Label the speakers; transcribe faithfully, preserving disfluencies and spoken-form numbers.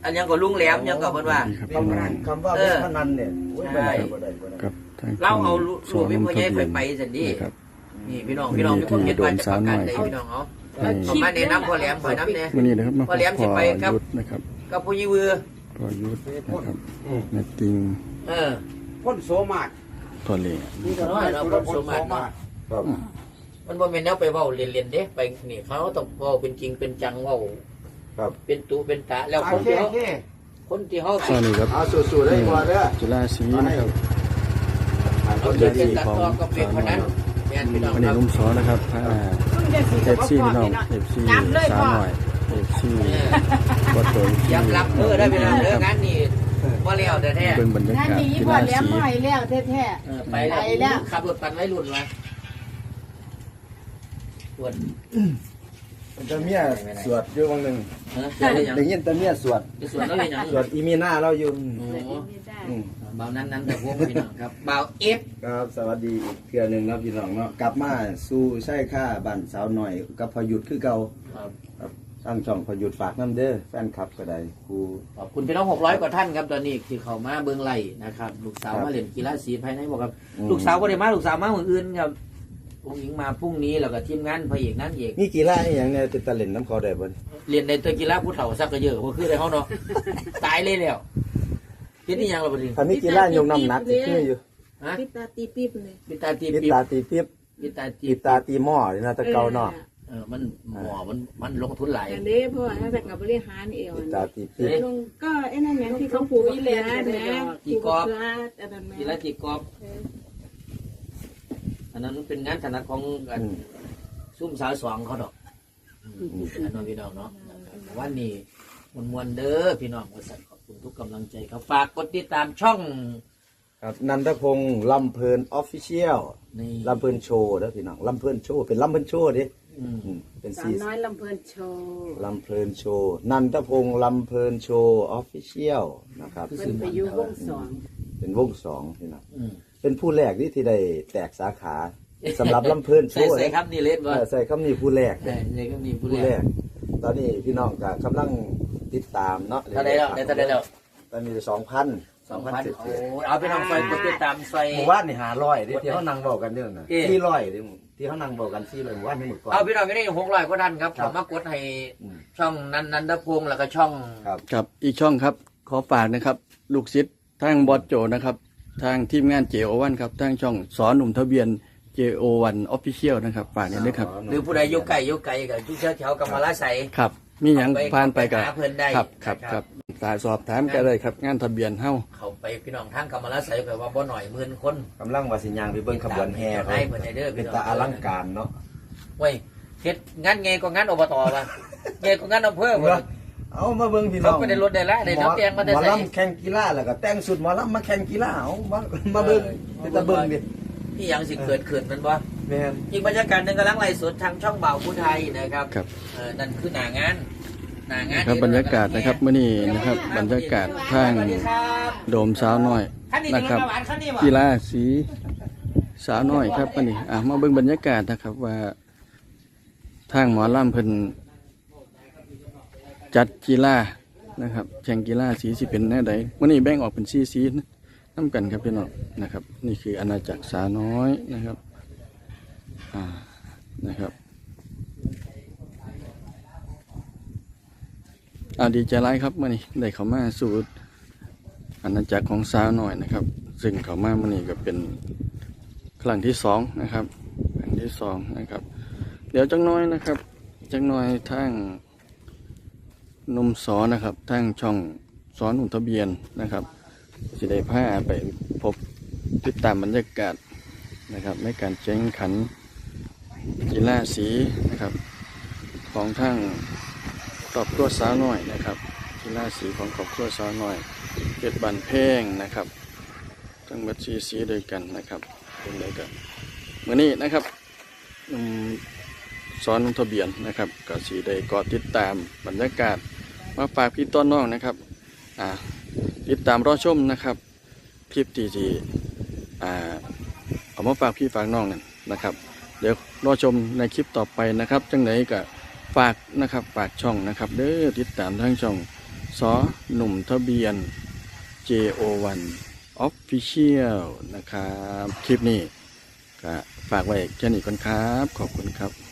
Speaker 1: อันยังก็ลุงแหลมยังก็เพิ่นว่า
Speaker 2: คำว่าคำว่าเว็บพนันเนี่ยใช่
Speaker 1: เราเอาลูกวิพ่อใหญ่ไปไปสันดีนี่พี่น้องพี่น้องมีคนเห็นว่าจะประกันได้พี่น้องเอาผมมาแนะนำพ่อแหลมพ่อน้ำเนี่ยพ่อแหลมจะไปกับกับผู้ยี่วือ
Speaker 3: พ่อยุทธนะครับแม่ติง
Speaker 1: เออ
Speaker 2: พ่นโสมาด
Speaker 3: พ่อเลี้ย
Speaker 1: นี่ก็น้อยเราพ่นโสมาดมันบ่เป็นแนวไปเว้าเรียนๆเด้ไปนี่เขาต้องเว้าเป็นจริงเป็นจังเว้าเป็นตูเป็นตาแล้วคนที่เขาคนที่เขา
Speaker 3: ตอนนี้ครับ
Speaker 2: เอาสู้ๆได้ก่อนเด้อ
Speaker 3: จุฬาศรีนะครับ
Speaker 1: เขาจะเป็นตัดต่อกับเป็นคนนั้นแม่นพี่น้อง
Speaker 3: วันนี้ลุงสอนะครับพาเอฟซีพี่น้องเอฟซีสาวหน่อยเอฟซีวัดโต
Speaker 1: ย้ำรับเออได้พี่น้องเด้องานนี้ว่าเลี้ยวแท้
Speaker 3: ๆเป็นบรรยากาศ
Speaker 4: ที่ราศีไปแล้วแท้
Speaker 1: ๆไปแล้วขับรถปั่นไว้รุ่นมาส่วน
Speaker 2: มันจะเมียสวดอยู่วันหนึ่งได้ยินแต่เมียสวด
Speaker 1: สวดแล้วเลยยัง
Speaker 2: สวดอีมีหน้าเราอยู่
Speaker 1: เบานั้นนั้นแต่พวกพี่น้องครับเบาเอฟ
Speaker 2: ครับสวัสดีอีกเทื่อหนึ่งนะพี่น้องเนาะกลับมาสู่ใช่ค่าบ้านสาวหน่อยกับพยุทธคือเก่าครับตั้งช่องพยุทธฝากน้ำเด้อแฟนคลับก็ได้ครู
Speaker 1: ขอบคุณพี่น้องหกร้อยกว่าท่านครับตอนนี้ที่เขามาเบื้องไหลนะครับลูกสาวมาเล่นกีฬาสีภายในบอกครับลูกสาวก็ได้มาลูกสาวมาเหมือนอื่นครับผู้หญิงมาพรุ่งนี้แล้วก็ทีมงานพระเอกนั่นเอก
Speaker 2: นี่กีฬาอย่างเนี่ยติดตะเล่นน้ำเขาได้บ่
Speaker 1: เรียนในตัวกีฬาผู้เฒ่าซักก็เยอะเพราะคือในห้องเนาะตายเลยแล้วคิดนี่ยังเราบ่ดี
Speaker 2: ถ้ามีกีฬายกน้ำหนักที่คืออยู่
Speaker 1: ฮะ
Speaker 4: ปิตาตีปี๊บเลย
Speaker 1: ปิตาตี
Speaker 2: ปี๊บปิตาตีปี๊บ
Speaker 1: ปิตาตี
Speaker 2: ปิตาตีหม้อนี่นะตะเกาเนาะ
Speaker 1: เออมันหม้อมันมันลงทุนหลาย
Speaker 4: อันนี้เพราะว่าถ้าแต่กับบริหารเอว
Speaker 2: ปิตาตีปี๊บ
Speaker 4: ก็ไอ้นั่นอย่างที่เขาปลูกอีแลนด์นะ
Speaker 1: จีกอบกีฬาจีกอบอันนั้นเป็นงานถนัดของกันซุ่มสาวสองเขาดอกอันนั้นพี่น้องเนาะวันนี้มวลมวลเด้อพี่น้องขอบคุณทุกกำลังใจครับฝากกดติดตามช่อง
Speaker 2: ครับนันทพงศ์ลำเพลินออฟฟิเชียลลำเพลินโชว์เด้อพี่น้องลำเพลินโชว์เป็นลำเพลินโชว์ดิ
Speaker 4: เป็นสาวน้อยลำเพลินโชว์
Speaker 2: ลำเพลินโชว์นันทพงศ์ลำเพลินโชว์ออฟฟิเชียลนะครับ
Speaker 4: เป็นไปอยู่วงสอง
Speaker 2: เป็นวงสองพี่น้องเป็นผู้แรกที่ที่ได้แตกสาขาสำหรับลำเพลินโชว์
Speaker 1: ใส่คำนี้เล่นบ่
Speaker 2: ใส่คำนี้ผู้แรก
Speaker 1: ใส่คำนี้ผู้แรก
Speaker 2: ตอนนี้พี่น้องก็กำลังติดตามเนาะ
Speaker 1: เท่าไรแล้วเท่าไรแล้ว
Speaker 2: ตอนนี้สองพัน
Speaker 1: สองพันโอ้เอาไปทำไฟกดติดตามไฟ
Speaker 2: หมู่บ้านนี่หาร้อยที่เขานั่งบอกกันเนี่ยนะที่ร้อยที่เขานั่งบอกกันที่เลยหมู่บ้านนี่หมดก่อน
Speaker 1: เอาพี่น้องไม่ได้หกร้อยก็ดันครับผมมากดให้ช่องนันนันทพงศ์แล้วก็ช่อง
Speaker 3: ครับอีกช่องครับขอฝากนะครับลูกศิษย์ทางบอสโจนะครับทางทีมงาน เจ โอ วัน ครับทางช่องสอนหนุ่มทะเบียน เจ โอ วัน Official นะครับฝากนี้ด้วยครับ
Speaker 1: หรือผู้ใดยกไก่ยกไก่กับที่เชี่ยวแถวกำมะลาใส
Speaker 3: ครับมีอย่างผ่านไปกับ
Speaker 1: ครับ
Speaker 3: ครับครับสายสอบถามกันเลยครับงานทะเบียนเฮ้า
Speaker 1: เขาไปพี่น้องทางกำมะลาใสไปว่าบ่หน่อยหมื่นคน
Speaker 2: กำลังว่าสิยางไปเบิ้งขบวนแห่เขาเป็นตาอลังการเนาะ
Speaker 1: เว้ยเฮ็ดงานไงก็งานอบตป่ะไงก็งานอำเภอป่ะ
Speaker 2: เอามาเบิ้งพี่น้อง
Speaker 1: เขาไม่ได้รถได้ละได้น้ำแกงมาได้
Speaker 2: ใส่หมอลำแข่งกีฬาแล้วก็แต่งสุดหมอลำมาแข่งกีฬาเอามามาเบิ้งเป็นตาเบิ้งดิ
Speaker 1: นี่ยังสิเกิดขึ้นมันบ่อีกบรรยากาศหนึ่งกำลังไล่สดทางช่องเบาผู้ไทยนะครับนั่นคือหน้างานหน้างาน
Speaker 3: ครับบรรยากาศนะครับเมื่อนี้นะครับบรรยากาศทางโดมสาวน้อยนะครับกีฬาสีสาวน้อยครับมื่อนี้อ่ะมาเบิ่งบรรยากาศนะครับว่าทางหมอลำเพิ่นจัดกีฬานะครับแข่งกีฬาสีสิเป็นแน่ใดมื่อนี้แบ่งออกเป็นสีสีน้ำกันครับพี่น้องนะครับนี่คืออาณาจักรสาวน้อยนะครับอ่านะครับอ่าดีใจร้ายครับมื่อนี้ได้เข้ามาสู่อาณาจักรของสาวน้อยนะครับซึ่งเข้ามามื่อนี้ก็เป็นครั้งที่สองนะครับครั้งที่สองนะครับเดี๋ยวจังน้อยนะครับจังน้อยทางนมสอนะครับทางช่องสอนหนุ่มทะเบียนนะครับสิได้พาไปพบติดตามบรรยากาศนะครับในการแข่งขันกีฬาสีนะครับของทางครอบครัวสาวน้อยนะครับกีฬาสีของครอบครัวสาวน้อยเพชรบันเพงนะครับทั้งหมดสีสีด้วยกันนะครับเป็นอะไรกันเมื่อนี้นะครับสอนทะเบียนนะครับก็สีได้กอติดตามบรรยากาศมาฝากพี่ต้นน้องนะครับอ่าติดตามรอชมนะครับคลิปที่ที่อ่าเอามาฝากพี่ฝากน้องนั่นนะครับเดี๋ยวรอชมในคลิปต่อไปนะครับจังไหนก็ฝากนะครับฝากช่องนะครับเด้อติดตามทั้งช่องสอหนุ่มทะเบียน เจ โอ วัน Official นะครับ คลิปนี้ก็ฝากไว้แค่นี้ก่อนครับ ขอบคุณครับ